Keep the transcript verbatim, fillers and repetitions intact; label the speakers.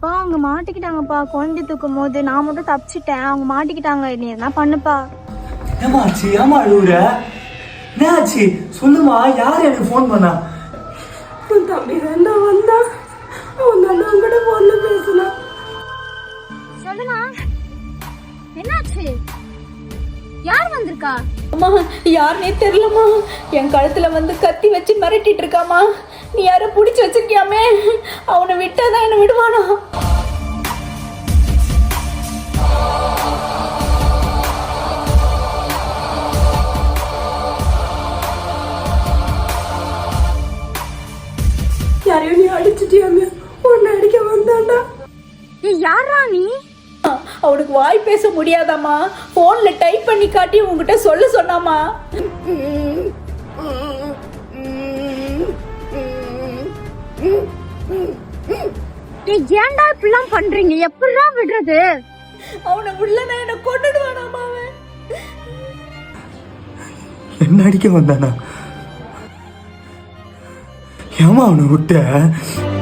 Speaker 1: அப்பா அவங்க மாட்டிக்கிட்டாங்கப்பா. குழந்தை தூக்கும் போது நான் மட்டும் தப்பிச்சிட்டேன், அவங்க மாட்டிக்கிட்டாங்க. நீ என்ன பண்ணுப்பா?
Speaker 2: ஏமா ஆச்சு? ஏமா அழுவுற? என்ன ஆச்சு சொல்லுமா? யார் எனக்கு ஃபோன் பண்ணா?
Speaker 3: உன் தம்பி தான் வந்தா. அவன் தான் உங்ககிட்ட போன்ல பேசினா.
Speaker 1: சொல்லுமா, என்னாச்சு? யார் வந்திருக்கா?
Speaker 3: அம்மா யாருனே தெரியலம்மா. என் கழுத்துல வந்து கத்தி வச்சு மிரட்டிட்டு இருக்காமா. நீ யாரும் பிடிச்சி வச்சிருக்கியாமே, அவனை விட்டாதான் என்ன விடுவானா? யாரையும் நீ அடிச்சிட்டியாமே, உன்னை அடிக்க வந்தாண்டா.
Speaker 1: யாரா நீ?
Speaker 3: அவனுக்கு வாய் பேச முடியாதாமா, போன்ல டைப் பண்ணி காட்டி உங்ககிட்ட சொல்ல சொன்னாமா.
Speaker 1: ஏன்டா இப்படிலாம் பண்றீங்க? எப்படிலாம் விடுறது?
Speaker 3: அவனை விடலன்னா என்ன கொண்டுடுவானாமா அவன்.
Speaker 2: என்ன அடிக்க வந்தானா? ஏமா அவனை விட்ட?